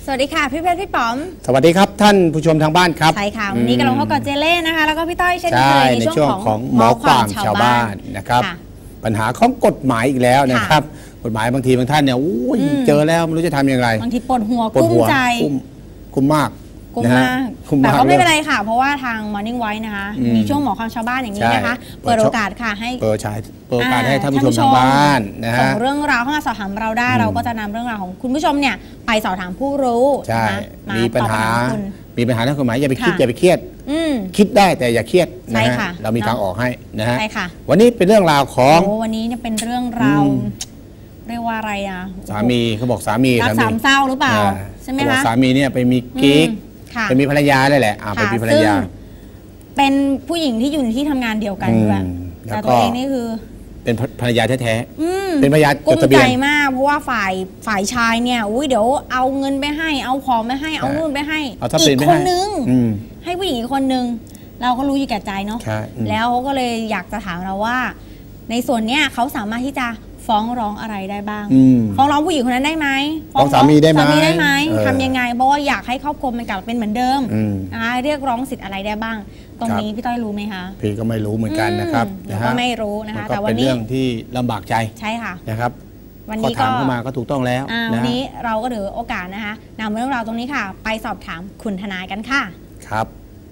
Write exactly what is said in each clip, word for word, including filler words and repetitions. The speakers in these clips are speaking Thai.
สวัสดีค่ะพี่เพชรพี่ป๋อมสวัสดีครับท่านผู้ชมทางบ้านครับใช่ค่ะวันนี้กำลังพบกับเจเล่นะคะแล้วก็พี่ต้อยเช่นเคยในช่วงของหมอความชาวบ้านนะครับปัญหาของกฎหมายอีกแล้วนะครับกฎหมายบางทีบางท่านเนี่ยเจอแล้วไม่รู้จะทำอย่างไรบางทีปวดหัวกุ้มใจกุ้มมากกุ้มมากแต่ก็ไม่เป็นไรค่ะเพราะว่าทาง Morning Voice นะคะมีช่วงหมอความชาวบ้านอย่างนี้นะคะเปิดโอกาสค่ะให้เปิดฉายเปิดโอกาสให้ท่านผู้ชมทางบ้านนะฮะส่งเรื่องราวเข้ามาสอบถามเราได้เราก็จะนำเรื่องราวของคุณผู้ชมเนี่ยไปสอบถามผู้รู้ใช่มีปัญหามีปัญหาทางกฎหมายอย่าไปคิดอย่าไปเครียดคิดได้แต่อย่าเครียดนะฮะเรามีทางออกให้นะฮะวันนี้เป็นเรื่องราวของวันนี้เนี่ยเป็นเรื่องราวเรียกว่าอะไรอ่ะสามีเขาบอกสามีรักสามเศร้าหรือเปล่าใช่ไหมคะสามีเนี่ยไปมีกิ๊กไปมีภรรยาเลยแหละไปมีภรรยาเป็นผู้หญิงที่อยู่ในที่ทำงานเดียวกันด้วยแต่ตัวเองนี่คือเป็นภรรยาแท้ๆเป็นภรรยาจดทะเบียนกุ้มใจมากเพราะว่าฝ่ายฝ่ายชายเนี่ยอุ้ยเดี๋ยวเอาเงินไปให้เอาของไปให้เอานู่นไปให้อีกคนนึงให้ผู้หญิงอีกคนนึงเราก็รู้อยู่แก่ใจเนาะแล้วเขาก็เลยอยากจะถามเราว่าในส่วนเนี้ยเขาสามารถที่จะฟ้องร้องอะไรได้บ้างฟ้องร้องผู้หญิงคนนั้นได้ไหมฟ้องสามีได้ไหมสามีได้ไหมทำยังไงเพราะว่าอยากให้ครอบครัวมันกลับเป็นเหมือนเดิมนะคะเรียกร้องสิทธิ์อะไรได้บ้างตรงนี้พี่ต้อยรู้ไหมคะพี่ก็ไม่รู้เหมือนกันนะครับก็ไม่รู้นะคะแต่วันนี้เป็นเรื่องที่ลำบากใจใช่ค่ะนะครับวันนี้ก็ถามเข้ามาก็ถูกต้องแล้ววันนี้เราก็ถือโอกาสนะคะนำเรื่องราวตรงนี้ค่ะไปสอบถามคุณทนายกันค่ะครับ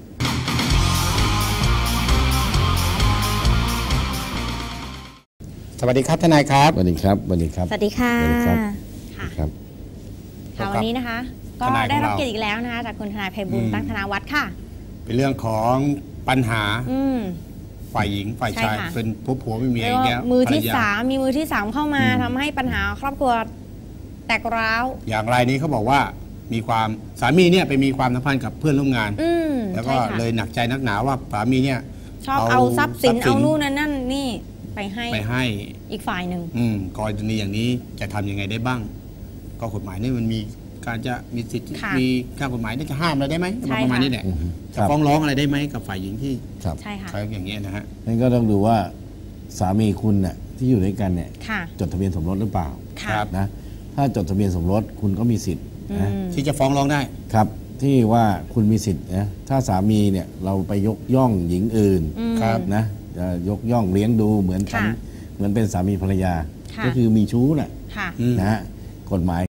สวัสดีครับทนายครับสวัสดีครับสวัสดีครับสวัสดีค่ะค่ะค่ะวันนี้นะคะก็ได้รับเกียรติอีกแล้วนะคะจากคุณทนายไพบูลย์ตั้งธนาวัฒน์ค่ะเป็นเรื่องของปัญหาฝ่ายหญิงฝ่ายชายเป็นผัวผัวไม่มีอะไรเงี้ยมือที่สามมีมือที่สามเข้ามาทำให้ปัญหาครอบครัวแตกร้าวอย่างไรนี้เขาบอกว่ามีความสามีเนี่ยไปมีความสัมพันธ์กับเพื่อนร่วมงานแล้วก็เลยหนักใจนักหนาว่าสามีเนี่ยชอบเอาทรัพย์สินเอานู่นนั่นนี่ไปให้ไปให้อีกฝ่ายหนึ่งกรณีอย่างนี้จะทำยังไงได้บ้างก็กฎหมายนี่มันมีการจะมีสิทธิ์มีข้ากฎหมายนี่จะห้ามอะไรได้ไหมประมาณนี้แหละจะฟ้องร้องอะไรได้ไหมกับฝ่ายหญิงที่ใช่ค่ะอย่างเงี้ยนะฮะนั่นก็ต้องดูว่าสามีคุณเนี่ยที่อยู่ด้วยกันเนี่ยจดทะเบียนสมรสหรือเปล่านะถ้าจดทะเบียนสมรสคุณก็มีสิทธิ์นะที่จะฟ้องร้องได้ครับที่ว่าคุณมีสิทธิ์นะถ้าสามีเนี่ยเราไปยกย่องหญิงอื่นนะจะยกย่องเลี้ยงดูเหมือนกันเหมือนเป็นสามีภรรยาก็คือมีชู้แหละนะฮะกฎหมาย